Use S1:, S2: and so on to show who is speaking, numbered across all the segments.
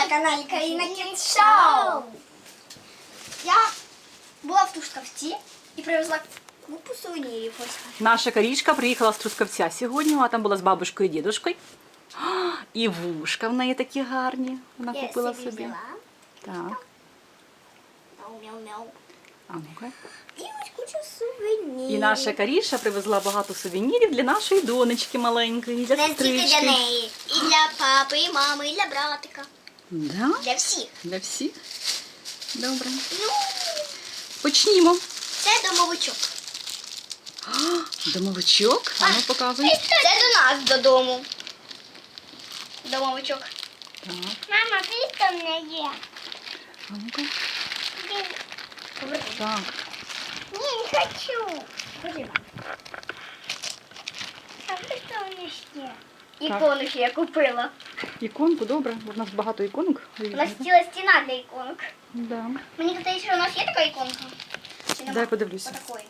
S1: на каналі Каріна Кіт Шоу. Я була в Трускавці і привезла купу сувенірів.
S2: Наша Карічка приїхала з Трускавця сьогодні, вона там була з бабушкою і дідушкою. І вушка в неї такі гарні. Вона купила собі. Так.
S1: Мяу-мяу-мяу.
S2: А ну-ка.
S1: І ось куча сувенірів.
S2: І наша Каріша привезла багато сувенірів для нашої донечки маленької, для
S1: Не тільки для
S2: сестрички.
S1: неї. І для папи, і мами, і для братика.
S2: Да?
S1: Для всіх.
S2: Для всіх? Добре.
S1: Ну,
S2: Почнімо.
S1: це домовичок.
S2: Домовичок. А ну показуй.
S1: Це до нас додому. Домовичок.
S2: Так.
S1: Мама, ти там не є.
S2: А ну-ка.
S1: Поверни.
S2: Так.
S1: Ні, не хочу. Ходи. А ви що у нас є? Ікони ще я купила.
S2: Іконку, добре. Бо в нас багато іконок.
S1: У нас ціла стіна для іконок.
S2: Да.
S1: Мені здається, що у нас є така іконка. Чи нема?
S2: Дай подивлюся.
S1: Отакої.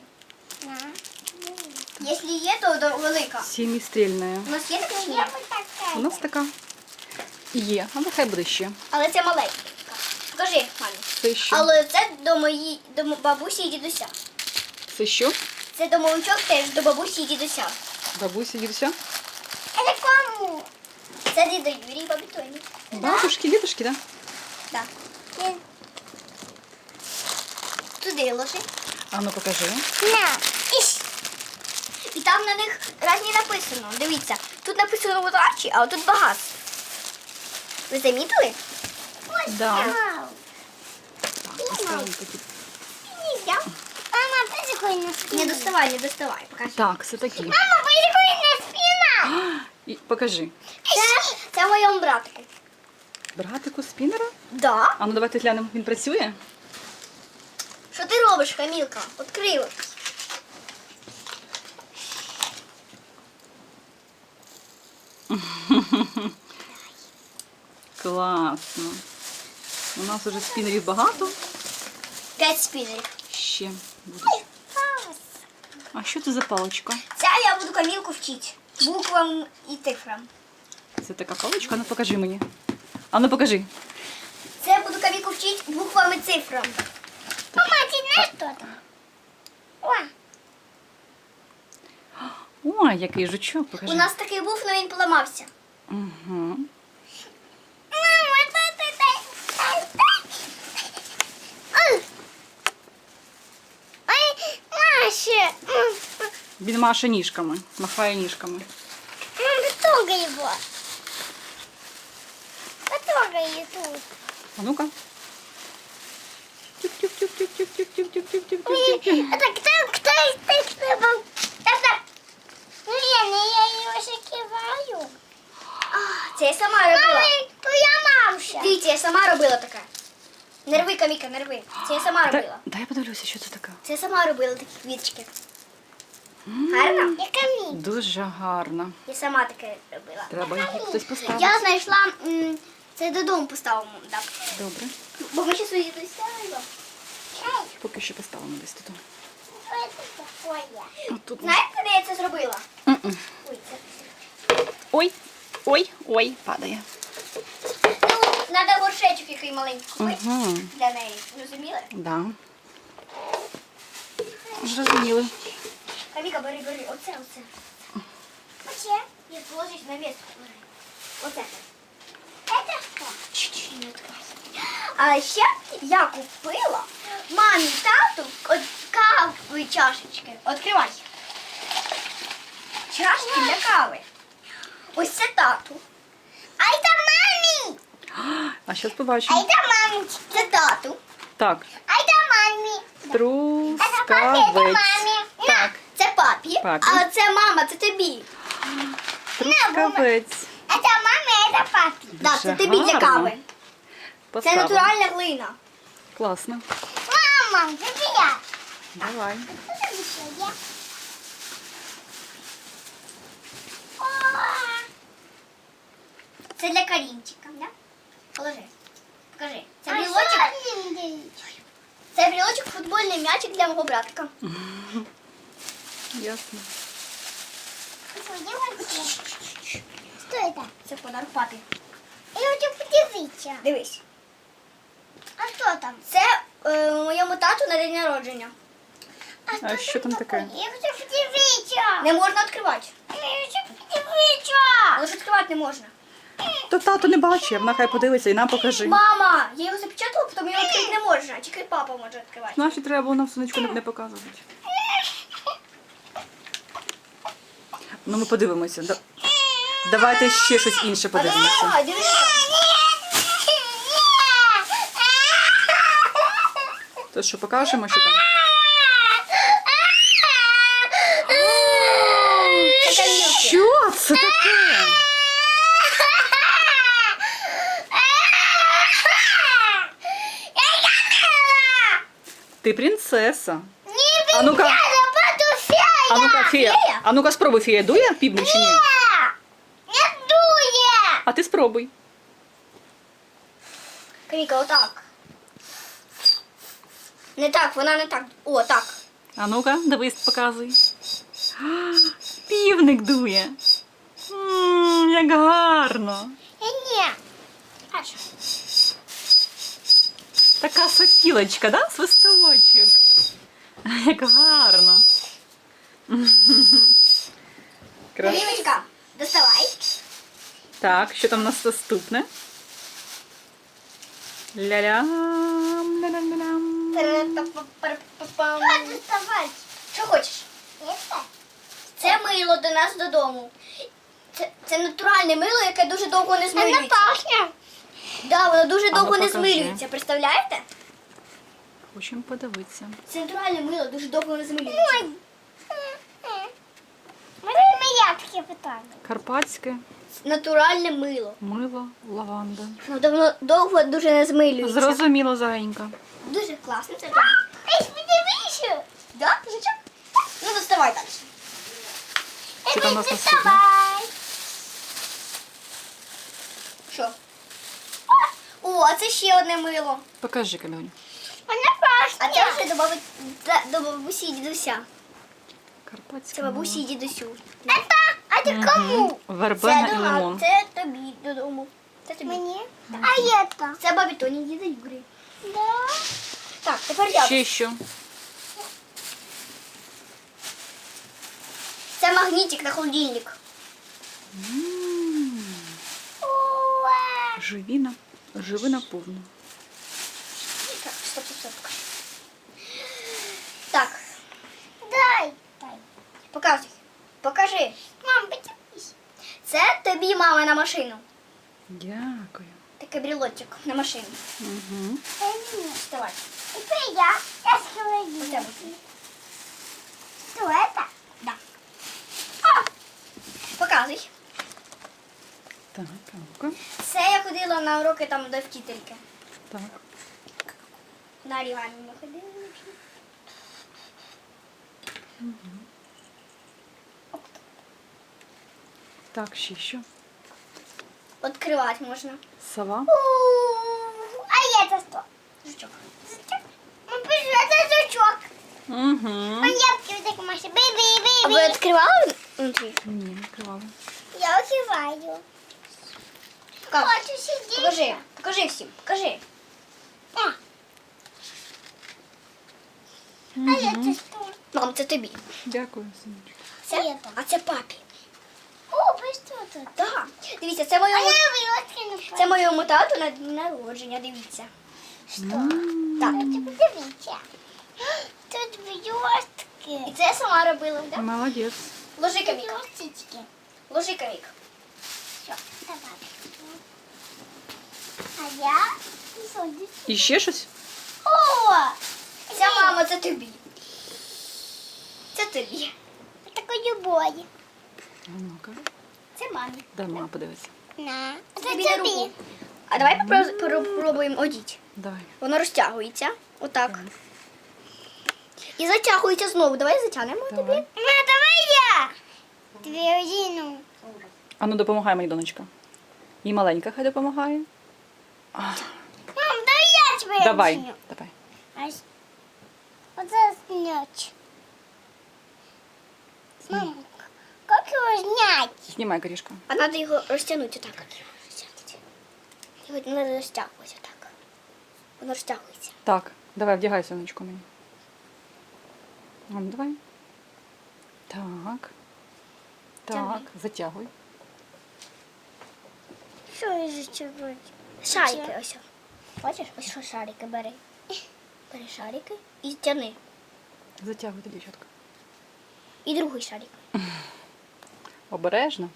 S1: Якщо є, то велика.
S2: Сімістрільна.
S1: У нас є така чи ні?
S2: У нас така є, а нехай буде ще.
S1: Але це маленька. Покажи, мамі.
S2: Це що?
S1: Але це до бабусі і дідуся.
S2: Це що?
S1: Це домовичок теж до бабусі і дідуся.
S2: Бабусі, дідуся?
S1: Це кому? Це дідо Юрій, бабі Тоні.
S2: Бабушки, дідушки, так?
S1: Так. Туди ложи.
S2: А ну покажи.
S1: На. І там на них різні написано. Дивіться, тут написано удачі, а тут багатство. Ви замітили? Ось
S2: Да.
S1: так.
S2: Поставимо такі.
S1: Мама, прикольно. Не доставай, не доставай. Покажи.
S2: Так, це такі.
S1: Мама, прикольна спина.
S2: І покажи.
S1: Це моєму братику.
S2: Братику спінера?
S1: Да.
S2: А ну давайте глянемо, він працює?
S1: Що ти робиш, Камілка? Відкрила.
S2: Класно. У нас уже спінерів багато.
S1: 5 спінерів.
S2: Ще будуть. А що це за паличка?
S1: Це я буду Камілку вчити. Буквам і цифрам.
S2: Це така паличка? Ну покажи мені. А ну покажи.
S1: Це я буду Камілку вчити буквам і цифрам. Мама, ти знаєш, хто там? О,
S2: Ой, який жучок, покажи.
S1: у нас такий був, але він поламався.
S2: Угу.
S1: Мама, Ой, Маша.
S2: Він маше ніжками, махає ніжками.
S1: Мама, потрогай его. Потрогай ее тут.
S2: А ну-ка. Тюк-тюк-тюк-тюк-тюк-тюк-тюк-тюк-тюк-тюк-тюк.
S1: Кто из них был? Лена, я ее закиваю. Це я сама робила. Твоя мамша. Дивіться, я сама робила таке. Не рви, Каміка, не рви. Це я сама робила.
S2: Дай я подивлюся, що це таке.
S1: Це я сама робила такі квіточки. Гарно? Я Каміка.
S2: Дуже гарно.
S1: Я сама таке робила.
S2: Треба їх хтось поставити.
S1: Я знайшла, це додому поставимо. Так.
S2: Добре.
S1: Бо ми ще свої досягаємо.
S2: Поки що поставимо десь тут.
S1: Що це таке?
S2: Отут.
S1: Знаєте, де я це зробила?
S2: М-м.
S1: Ой, це.
S2: Ой, ой, ой, падає.
S1: Ну, треба горшечок який маленький купити
S2: Угу.
S1: для неї. Розуміли?
S2: Да. Зрозуміли.
S1: Каміка, бери. Оце. Оце. Я положиш на місце. Оце. Це що? Чуть-чуть не відкривай. А ще я купила мамі, тату кави чашечки. Відкривай. Чашки для кави. Ось це тату. А це мамі.
S2: А зараз побачимо.
S1: це мамі. Це тату.
S2: Так,
S1: А це мамі.
S2: трускавець. Так,
S1: Це папі.
S2: Папі.
S1: А це мама, це тобі.
S2: трускавець.
S1: А це мамі, а це папі. Так, це тобі для
S2: гарно.
S1: кави. Це
S2: Поставимо.
S1: натуральна глина.
S2: Класно.
S1: Мама, це я.
S2: Давай.
S1: Це для Карінчика, да? Положи. Покажи. Це брілочок. Це брілочок, футбольний м'ячик для мого братика.
S2: Ясно.
S1: Що це? Це подарок папі. Я хочу
S3: Дивіться.
S1: Дивись.
S3: А що там?
S1: Це моєму тату на день народження.
S2: А що там таке?
S3: Я хочу подивитися.
S1: Не можна відкривати.
S3: Я хочу подивитися.
S1: Але ж відкривати не можна.
S2: То тато не бачив, вона хай подивиться і нам покажи.
S1: Мама, я його запечатала, потім його відкрити не можна. Тільки папа може відкривати.
S2: Значить, треба було нам сонечку не показувати. Ну, ми подивимося. Давайте ще щось інше подивимося.
S1: А, дивися.
S2: То що, покажемо, що там?
S1: Це камілки.
S2: Що це таке? Ти принцеса. А ну-ка, а ну-ка, фея. А ну-ка, спробуй, фея дує півник чи ні?
S3: Не дує.
S2: А ти спробуй.
S1: Каміка, отак. Не так, вона не так. О, так.
S2: А ну-ка, дивись, показуй. А, півник дує. Як гарно.
S3: Ні.
S1: А що?
S2: Така сопілочка, да? Свисточок. Як гарно. Крас-
S1: Камілочка, доставай.
S2: Так, що там у нас наступне? Ля-лям, ля-лям-лям.
S1: Та-ра-та-па-пара-па-пам.
S3: Що доставати?
S1: Що хочеш?
S3: Це?
S1: Це мило до нас додому. Це натуральне мило, яке дуже довго не
S3: Вона
S1: змилюється.
S3: пахне.
S1: Да, воно дуже
S2: ну,
S1: довго не
S2: покажи.
S1: змилюється, представляєте?
S2: Хочемо подивитися.
S1: Це натуральне мило, дуже довго не змилюється.
S3: Ой. Мене таке питання.
S2: Карпатське
S1: Натуральне мило.
S2: мило, лаванда.
S1: Воно давно довго дуже не змилюється.
S2: Зрозуміло, Заєнька.
S1: Дуже класно це.
S3: Ей, подивися.
S1: Да? Жичок? Ну, доставай далі.
S2: Що там у нас наступне?
S3: Давай.
S1: Що? О, а це ще одне мило.
S2: Покажи, Камілунь.
S3: Вона
S1: А
S3: пахне.
S1: це вже до бабусі і дідуся.
S2: Карпатське
S1: Це бабусі і дідусю.
S3: А ти кому?
S2: Вербена
S1: Це
S2: і лимон.
S1: це тобі додому. Це тобі.
S3: Мені? А я то?
S1: Це бабі Тоні, діда Юрі.
S3: Да.
S1: Так, тепер я.
S2: Ще що?
S1: Це магнітик на холодильник.
S3: Уа.
S2: Живи наповну.
S1: Так, стоп. Так,
S3: Дай. Дай.
S1: показуй. Покажи.
S3: Мам, подивись.
S1: Це тобі мама на машину.
S2: Дякую.
S1: Такий брілочок на машину.
S2: Угу.
S1: Вставай.
S3: Это я. Я с
S1: Оце
S3: холодильника.
S1: буде.
S3: Что это?
S1: Да. Показуй.
S2: Так, ну-ка.
S1: Це я ходила на уроки там до вчительки.
S2: Так.
S1: На орігамі ми ходили.
S2: Так, ще що?
S1: Відкривати можна.
S2: Сова.
S3: А это что?
S1: Жучок.
S3: Жучок? Ну, пишу, это жучок.
S2: Угу.
S3: Он ябки вот так машет.
S1: А ви
S3: Бей-бей-бей-бей.
S1: відкривали внутрі?
S2: Ні, не відкривала.
S3: Я открываю.
S1: Покажи.
S3: Хочу сидеть.
S1: Покажи. Покажи всім. Покажи.
S3: А. А это что?
S1: Мам, це тобі.
S2: Дякую, синочку.
S1: Це?
S3: Это.
S1: А це папі.
S3: О, вы что тут?
S1: Так. Дивіться, це
S3: А
S1: моєму,
S3: я вылазки
S1: це моєму тату на день народження. Дивіться.
S3: Что?
S1: Так.
S3: Подивіться. Тут
S1: І
S3: блестки.
S1: це я сама робила. Да?
S2: Молодець.
S1: Ложи камік.
S3: Блестички.
S1: Ложи камік.
S3: Все, давай. А я садись.
S2: І ще щось?
S3: О!
S1: Це мама, це тобі. Це тобі.
S3: Такой любой.
S2: А ну-ка.
S1: Це мамі.
S2: Дай мама подивиться.
S3: На.
S1: Це
S3: Це
S1: тобі на
S3: тобі.
S1: руку. А давай попробуємо одіть.
S2: Давай.
S1: Воно розтягується. Отак. І затягується знову. Давай затягнемо тобі.
S2: Давай.
S3: На, давай я. Дві одіну.
S2: А ну допомагай мені, донечка. І маленька хай допомагає.
S3: Мам, давай я тебе
S2: Давай.
S3: одіну.
S2: Давай.
S3: Ось. Оце снять. Мам, як його зняти?
S2: Знімай, корішка.
S1: А треба його розтягнути так. Сьогодні треба розтягувати так. Воно розтягується.
S2: Так, давай, вдягай сонечко мені. Ну, давай. Так. Так,
S1: Тягни.
S2: затягуй.
S3: Що я зачерпую?
S1: Шарики ось. Бачиш, ось що шарики бери. Бери шарики і тяни.
S2: Затягуйте, дівчатка.
S1: І другий шарик.
S2: Обережно.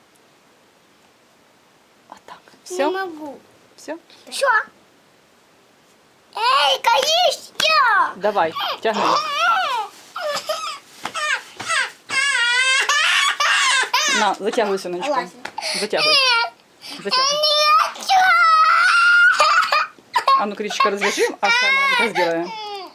S2: Отак.
S3: Не
S2: Все?
S3: можу.
S2: Все?
S1: Що?
S3: Ей, каїш, я!
S2: Давай, тягни. На, затягуй сонечко.
S1: Лазь.
S2: Затягуй. Затягуй. А ну, кричка, развяжем, а хай маленька сделаем.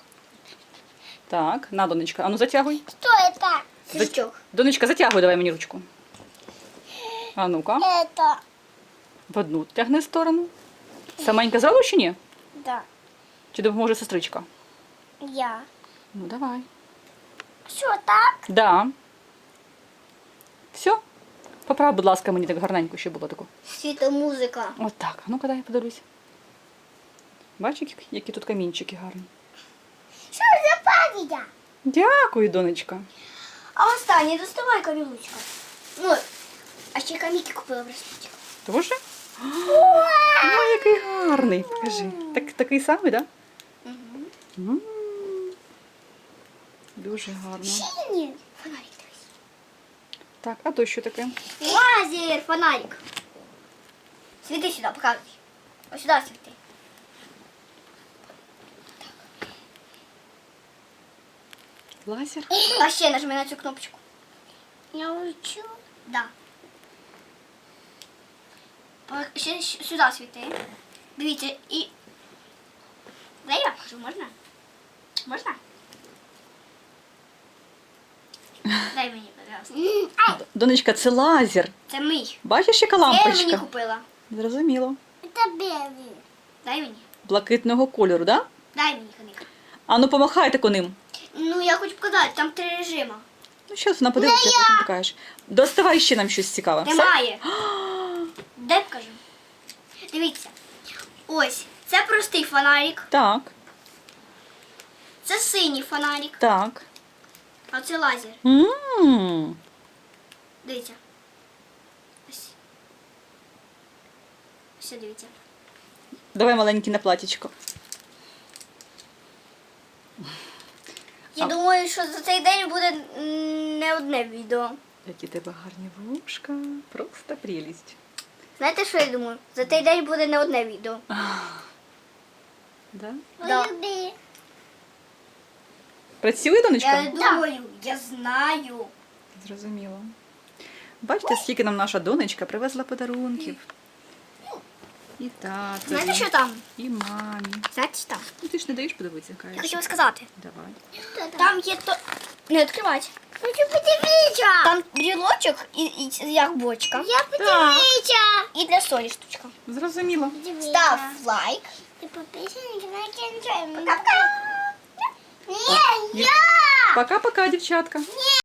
S2: Так, на, Донечка. А ну, затягуй.
S3: Что это?
S1: Свічок.
S2: Донечка, затягуй, давай мені ручку. А ну-ка,
S3: Это.
S2: в одну тягни сторону. Саменька зробиш чи ні?
S3: Да.
S2: Чи допоможе сестричка?
S3: Я.
S2: Ну, давай.
S3: Що так?
S2: Да. Все? Поправ, будь ласка, мені так гарненько ще було тако.
S1: Світо музика.
S2: От так. А ну-ка, дай я подивлюсь. Бачиш, які тут камінчики гарні.
S3: Що за пам'ятя?
S2: Дякую, донечка.
S1: А останнє доставай камілучка. Ну, а ще каміки купила в браслетик.
S2: Тоже? Ой, який гарний. Покажи. Такий самий, так? Да? М. Дуже гарно.
S3: Сині.
S1: Фонарик дивись.
S2: Так, а то що таке?
S1: Лазер, фонарик. Світи сюди, показуй. Ось сюди світи.
S2: Лазер?
S1: А ще нажми на цю кнопочку.
S3: Я учу.
S1: Да. Ще сюди світи. Дивіться, і... Дай я покажу, можна? Можна? Дай мені, пожалуйста.
S2: Донечка, це лазер.
S1: Це мій.
S2: Бачиш, яка
S1: Це я мені
S2: лампочка?
S1: купила.
S2: Зрозуміло.
S3: Это белый.
S1: Дай мені.
S2: Блакитного кольору, да?
S1: Дай мені коник.
S2: А ну помахайте коним.
S1: Ну, я хочу показати, там 3 режими.
S2: Ну, зараз вона подивиться, потім покажеш. Доставай ще нам щось цікаве. Все?
S1: Немає. Дай покажу. Дивіться. Ось, це простий фонарик,
S2: Так,
S1: це синій фонарик,
S2: так.
S1: а це лазер.
S2: М.
S1: Дивіться. Ось. Ось, дивіться.
S2: Давай маленький на платічко.
S1: Я думаю, що за цей день буде не одне відео.
S2: Які тебе гарні вушка. Просто прелість.
S1: Знаєте, що я думаю? За цей день буде не одне відео.
S2: Да?
S1: Да.
S3: Люби.
S2: Працює, донечка?
S1: Я думаю, я знаю.
S2: Зрозуміло. Бачите, скільки нам наша донечка привезла подарунків. І
S1: Знаєте,
S2: татові,
S1: що там?
S2: і мамі.
S1: Знаєте, що там?
S2: Ну, ти ж не даєш подивитися,
S1: Я
S2: кажеш.
S1: хотіла сказати.
S2: Давай.
S1: Там є то... Не відкривати.
S3: Хочу подивитися.
S1: Там брілочок і як бочка.
S3: Я подивитися.
S1: І для солі штучка.
S2: Зрозуміло.
S1: Став лайк.
S3: Ти підписаний на кінцем.
S1: Пока.
S3: Ні, я.
S2: Пока-пока, дівчатка.